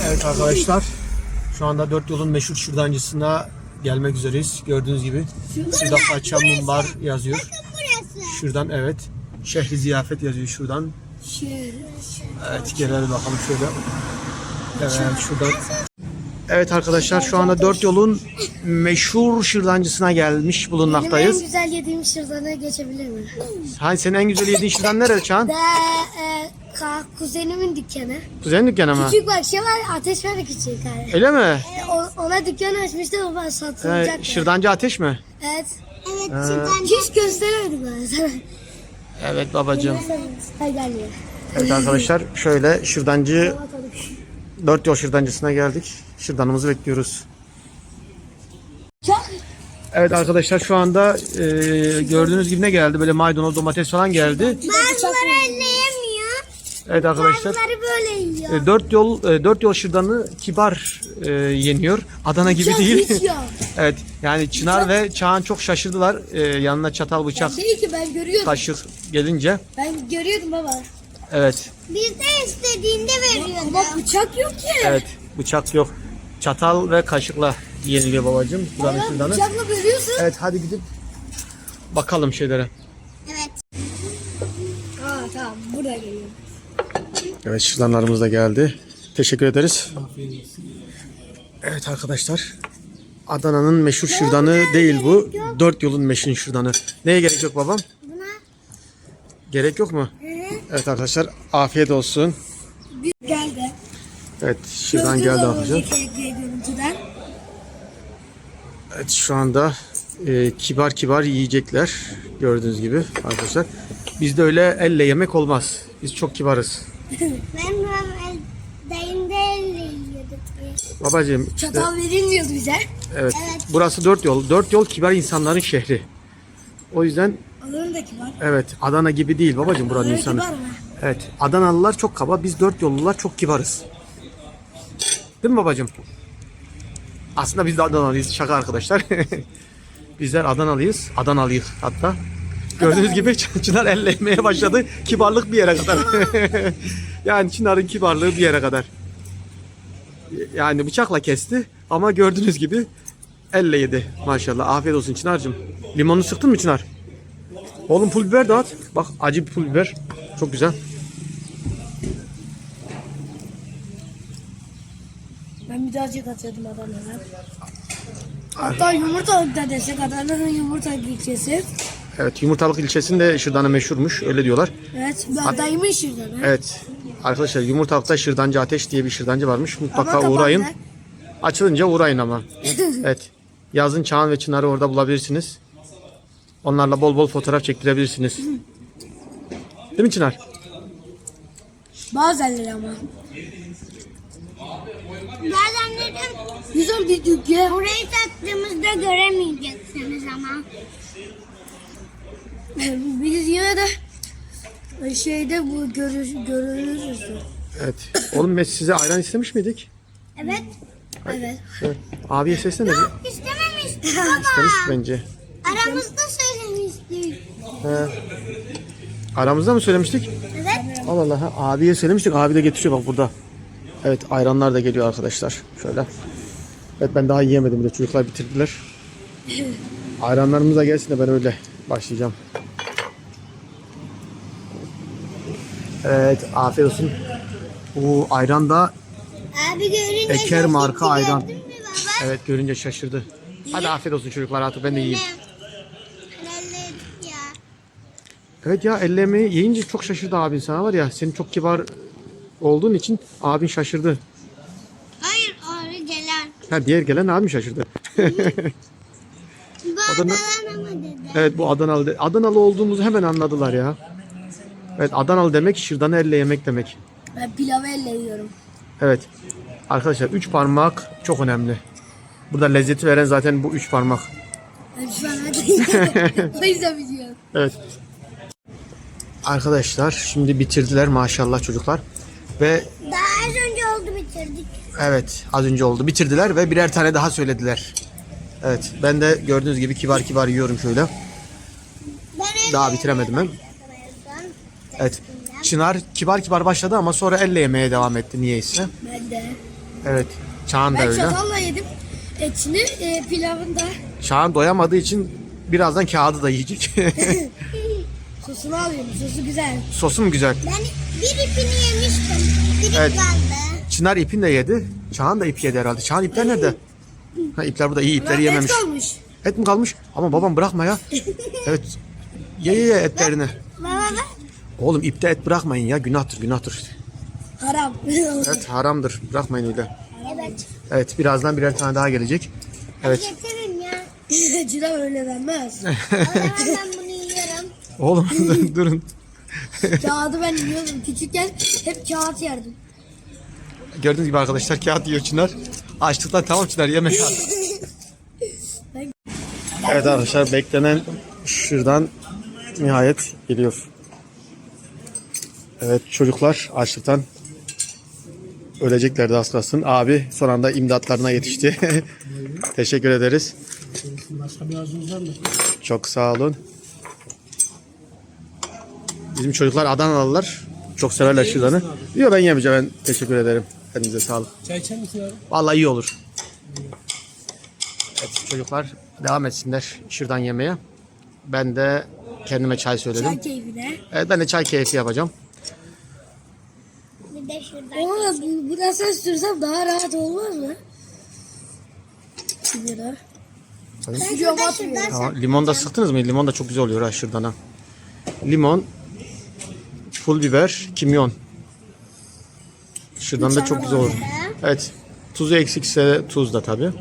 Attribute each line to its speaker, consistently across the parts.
Speaker 1: Evet arkadaşlar, şu anda Dört Yol'un meşhur şırdancısına gelmek üzereyiz. Gördüğünüz gibi şurada Paça Mumbar yazıyor. Şuradan evet, Şehri Ziyafet yazıyor şuradan. Evet, gelelim bakalım şöyle. Evet, şuradan. Evet arkadaşlar, şu anda Dört Yol'un meşhur şırdancısına gelmiş bulunmaktayız.
Speaker 2: Benim en güzel yediğim şırdanı geçebilir mi?
Speaker 1: Hani senin en güzel yediğin şırdan nerede Çağan?
Speaker 2: Kuzenimin dükkanı.
Speaker 1: Kuzenin dükkanı mı?
Speaker 2: Küçük bak şey var, ateş var küçük abi.
Speaker 1: Öyle mi?
Speaker 2: Ona dükkan açmıştı, o satılacak.
Speaker 1: Şırdancı Ateş mi?
Speaker 2: Evet. Evet. Hiç gösteremedim ben sana.
Speaker 1: Evet babacığım.
Speaker 2: Hadi gel ya.
Speaker 1: Evet arkadaşlar, şöyle şırdancı Dört Yol şırdancısına geldik. Şırdanımızı bekliyoruz. Evet arkadaşlar, şu anda gördüğünüz gibi ne geldi? Böyle maydanoz, domates falan geldi.
Speaker 2: Bazıları elleyemiyor.
Speaker 1: Evet arkadaşlar.
Speaker 2: Bazıları böyle yiyor.
Speaker 1: Dört yol şırdanı kibar yeniyor. Adana gibi değil. Evet, yani Çınar ve Çağan çok şaşırdılar. Yanına çatal, bıçak,
Speaker 2: Değil ki, ben görüyordum.
Speaker 1: kaşık gelince.
Speaker 2: Ben görüyordum baba.
Speaker 1: Evet.
Speaker 2: Biz de istediğinde veriyordu. Ama bıçak yok ki.
Speaker 1: Evet, bıçak yok. Çatal ve kaşıkla yeniliyor babacığım. Buranın şırdanı.
Speaker 2: Bıçakla bölüyorsun.
Speaker 1: Evet, hadi gidip bakalım şeylere.
Speaker 2: Evet. Tamam, burada geliyor.
Speaker 1: Evet, şırdanlarımız da geldi. Teşekkür ederiz. Evet arkadaşlar, Adana'nın meşhur şırdanı değil bu. Dört Yol'un meşhur şırdanı. Neye gerek yok babam?
Speaker 2: Buna.
Speaker 1: Gerek yok mu? Evet arkadaşlar, afiyet olsun.
Speaker 2: Geldi.
Speaker 1: Evet, şırdan geldi arkadaşlar.
Speaker 2: Görüntüden.
Speaker 1: Evet, şu anda kibar kibar yiyecekler. Gördüğünüz gibi arkadaşlar. Bizde öyle elle yemek olmaz. Biz çok kibarız.
Speaker 2: Ben dayımda elle yiyorduk.
Speaker 1: Babacığım işte,
Speaker 2: Çatal verilmiyordu bize.
Speaker 1: evet, burası Dört Yol. Dört Yol kibar insanların şehri. O yüzden
Speaker 2: Adanın da kibar.
Speaker 1: evet, Adana gibi değil babacığım buranın
Speaker 2: Adanın
Speaker 1: insanı.
Speaker 2: kibar mı?
Speaker 1: Evet, Adanalılar çok kaba, biz Dört Yollular çok kibarız. Değil mi babacığım? Aslında biz de Adanalıyız, şaka arkadaşlar. Bizler Adanalıyız, Adanalıyız hatta. Gördüğünüz gibi Çınar elle yemeye başladı. Kibarlık bir yere kadar. Yani Çınar'ın kibarlığı bir yere kadar. Yani bıçakla kesti ama gördüğünüz gibi elle yedi. Maşallah. Afiyet olsun Çınar'cığım. Limonunu sıktın mı Çınar? Oğlum pul biber de at. Bak, acı bir pul biber. Çok güzel.
Speaker 2: Ben birazcık atıyordum Adana'dan. Hatta yumurtalık da desek, Adana'nın yumurtalık ilçesi.
Speaker 1: Evet, Yumurtalık ilçesinde şırdanı meşhurmuş. Öyle diyorlar.
Speaker 2: Evet, dayımın şırdanı.
Speaker 1: Evet. Arkadaşlar, Yumurtalık'ta Şırdancı Ateş diye bir şırdancı varmış. Mutlaka
Speaker 2: Ama
Speaker 1: uğrayın.
Speaker 2: kapandı.
Speaker 1: Açılınca uğrayın ama. Evet. Yazın Çağan ve Çınar'ı orada bulabilirsiniz. Onlarla bol bol fotoğraf çektirebilirsiniz. Değil mi Çınar?
Speaker 2: Bazenleri ama. Bazenleri güzel bir dükkan. Orayı taktığımızda göremeyeceksiniz ama. Biz yine de şeyde bu görürüz.
Speaker 1: Evet. Oğlum, biz size ayran istemiş miydik?
Speaker 2: Evet. Evet.
Speaker 1: Evet. Abiye seslene.
Speaker 2: İstememiştik
Speaker 1: İstemiş bence.
Speaker 2: Aramızda söylemiştik.
Speaker 1: Aramızda mı söylemiştik?
Speaker 2: Evet.
Speaker 1: Allah Allah. Abiye söylemiştik. Abi de getiriyor bak burada. Evet, ayranlar da geliyor arkadaşlar. Şöyle. Evet, ben daha yiyemedim bile. Çocuklar bitirdiler. Ayranlarımız da gelsin de ben öyle başlayacağım. Evet, afiyet olsun. Bu ayran da
Speaker 2: Abi görünce
Speaker 1: Eker marka ayran.
Speaker 2: gördün mü baba?
Speaker 1: Evet, görünce şaşırdı. Hadi afiyet olsun çocuklar, artık ben de yiyeyim.
Speaker 2: Ya.
Speaker 1: Evet ya, elle yemeği yiyince çok şaşırdı abin sana, var ya. Senin çok kibar olduğun için abin şaşırdı.
Speaker 2: Hayır, oraya gelen.
Speaker 1: Ha, diğer gelen abin şaşırdı.
Speaker 2: Bu
Speaker 1: Adana-
Speaker 2: Adana mı dedi?
Speaker 1: Evet, bu Adanalı. Adanalı olduğumuzu hemen anladılar ya. Evet, Adanalı demek şırdanı elle yemek demek.
Speaker 2: Ben pilavı elle yiyorum.
Speaker 1: Evet. Arkadaşlar, 3 parmak çok önemli. Burada lezzeti veren zaten bu 3 parmak.
Speaker 2: Ben şu an hadi. O yüzden biliyorum.
Speaker 1: Evet. Arkadaşlar, şimdi bitirdiler maşallah çocuklar. Ve
Speaker 2: Daha az önce oldu, bitirdik.
Speaker 1: evet, az önce oldu. Bitirdiler ve birer tane daha söylediler. Evet, ben de gördüğünüz gibi kibar kibar yiyorum şöyle. Daha bitiremedim ben. Evet. Çınar kibar kibar başladı ama sonra elle yemeye devam etti niyeyse.
Speaker 2: Ben de.
Speaker 1: Evet. Çağan da
Speaker 2: Ben
Speaker 1: öyle.
Speaker 2: çatalla yedim. Etini pilavında
Speaker 1: Çağan doyamadığı için birazdan kağıdı da yiyecek.
Speaker 2: sosunu alıyorum. Sosu güzel.
Speaker 1: Sosu mu güzel?
Speaker 3: Ben bir ipini yemiştim. Biri
Speaker 1: Evet.
Speaker 3: kaldı.
Speaker 1: Çınar ipini de yedi. Çağan da ip yedi herhalde. Çağan ipler nerede? Ha, ipler burada. İyi ipleri
Speaker 2: Ulan
Speaker 1: yememiş.
Speaker 2: et kalmış.
Speaker 1: Et mi kalmış? Ama babam bırakma ya. Evet. Ye etlerini.
Speaker 3: Baba bak.
Speaker 1: Oğlum ipte et bırakmayın ya. Günahtır günahtır.
Speaker 2: Haram.
Speaker 1: Evet haramdır. Bırakmayın öyle.
Speaker 3: Evet.
Speaker 1: Evet birazdan birer tane daha gelecek. Evet.
Speaker 3: Getirin ya.
Speaker 2: Cila öyle denmez.
Speaker 3: O zaman ben bunu yiyorum.
Speaker 1: Oğlum durun.
Speaker 2: Kağıdı ben yiyordum. Küçükken hep kağıt yerdim.
Speaker 1: Gördüğünüz gibi arkadaşlar kağıt yiyor Çınar. Açlıktan tamam Çınar yeme kağıt. Evet arkadaşlar beklenen şırdan nihayet geliyor. Evet çocuklar açlıktan öleceklerdi az kalsın. Abi son anda imdatlarına yetişti. Teşekkür ederiz.
Speaker 4: Başka bir arzunuz var mı?
Speaker 1: Çok sağ olun. Bizim çocuklar Adanalılar. Çok severler şırdanı. Yok ben yemeyeceğim. Ben teşekkür ederim. Kendinize sağlık.
Speaker 4: Çay içer misin abi?
Speaker 1: Vallahi iyi olur. Evet çocuklar devam etsinler şırdan yemeye. Ben de kendime çay söyledim.
Speaker 2: Çay keyfine.
Speaker 1: Evet ben de çay keyfi yapacağım.
Speaker 3: Bir de şuradan.
Speaker 2: Ama bu da sen sürsem daha rahat olmaz mı? Sigara.
Speaker 3: Ben
Speaker 2: Sürüyorum,
Speaker 3: şuradan
Speaker 2: atmıyorum.
Speaker 3: şuradan
Speaker 1: Tamam, limon da sıktınız mı? Limon da çok güzel oluyor ha şırdana. Limon, pul biber, kimyon. Şırdan da çok güzel olur. Evet. Tuzu eksikse tuz da tabii.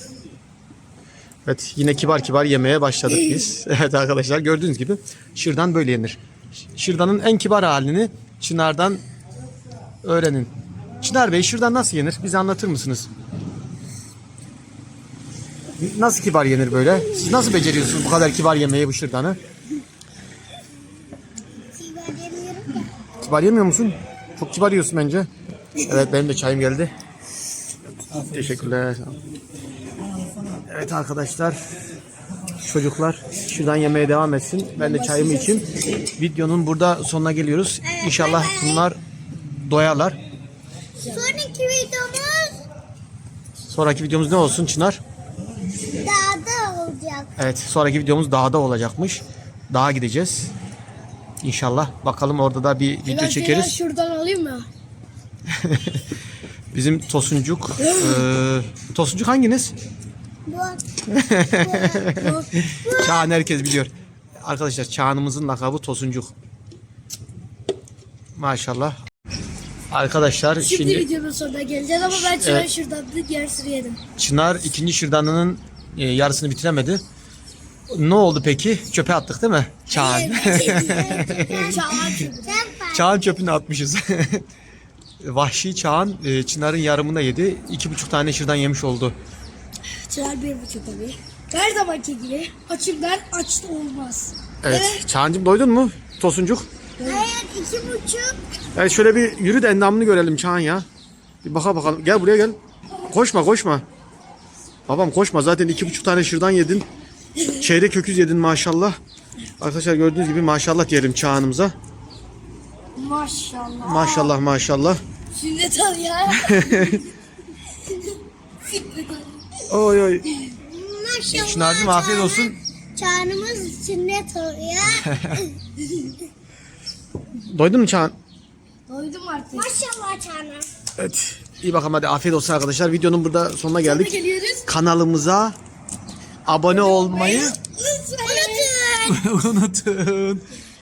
Speaker 1: Evet yine kibar kibar yemeye başladık biz. Evet arkadaşlar gördüğünüz gibi şırdan böyle yenir. Şırdanın en kibar halini Çınar'dan öğrenin. Çınar Bey şırdan nasıl yenir? Bize anlatır mısınız? Nasıl kibar yenir böyle? Siz nasıl beceriyorsunuz bu kadar kibar yemeği bu şırdanı?
Speaker 3: Sigara yemiyorum ya.
Speaker 1: Kibar yemiyor musun? Çok kibar yiyorsun bence. Evet benim de çayım geldi. Teşekkürler. Evet arkadaşlar. Çocuklar şuradan yemeye devam etsin. Ben de çayımı içeyim. Videonun burada sonuna geliyoruz. İnşallah bunlar doyarlar.
Speaker 3: Sonraki videomuz
Speaker 1: Sonraki videomuz ne olsun Çınar?
Speaker 3: dağda olacak.
Speaker 1: Evet sonraki videomuz dağda olacakmış. Dağa gideceğiz. İnşallah. Bakalım orada da bir video çekeriz.
Speaker 2: Şuradan alayım mı?
Speaker 1: Bizim Tosuncuk. Tosuncuk hanginiz?
Speaker 3: Bu.
Speaker 1: Çağan herkes biliyor. Arkadaşlar Çağan'ımızın lakabı Tosuncuk. Maşallah. Arkadaşlar
Speaker 2: Şimdi
Speaker 1: şimdi
Speaker 2: videonun sonuna geleceğiz ama ben çay şuradan yarısını yedim.
Speaker 1: Çınar ikinci şırdanının yarısını bitiremedi. Ne oldu peki? Çöpe attık değil mi? Çağan.
Speaker 2: Çağan çubuğu.
Speaker 1: Çağan çöpünü atmışız. Vahşi Çağan Çınar'ın yarımını yedi. 2,5 tane şırdan yemiş oldu.
Speaker 2: Çınar 1,5 tabii. Her zamanki gibi açımdan aç olmaz.
Speaker 1: Evet. Çağancığım doydun mu? Tosuncuk.
Speaker 3: Hayır 2,5.
Speaker 1: Evet şöyle bir yürü de endamını görelim Çağan ya. Bir bakalım. Gel buraya gel. Koşma. Babam koşma zaten 2,5 tane şırdan yedin. Çeyrek öküz yedin maşallah. Arkadaşlar gördüğünüz gibi maşallah diyelim Çağan'ımıza.
Speaker 2: Maşallah.
Speaker 1: Maşallah.
Speaker 2: Sünnet al ya.
Speaker 1: Oy.
Speaker 3: Maşallah.
Speaker 1: Çınar'cığım afiyet olsun.
Speaker 3: Çağrımız sünnet oluyor.
Speaker 1: Doydun mu Çağan?
Speaker 2: Doydum artık.
Speaker 3: Maşallah Çağrım.
Speaker 1: Evet. İyi bakalım hadi afiyet olsun arkadaşlar. Videonun burada sonuna geldik.
Speaker 2: Geliyoruz.
Speaker 1: Kanalımıza abone olmayı
Speaker 3: Unutun.
Speaker 1: unutun.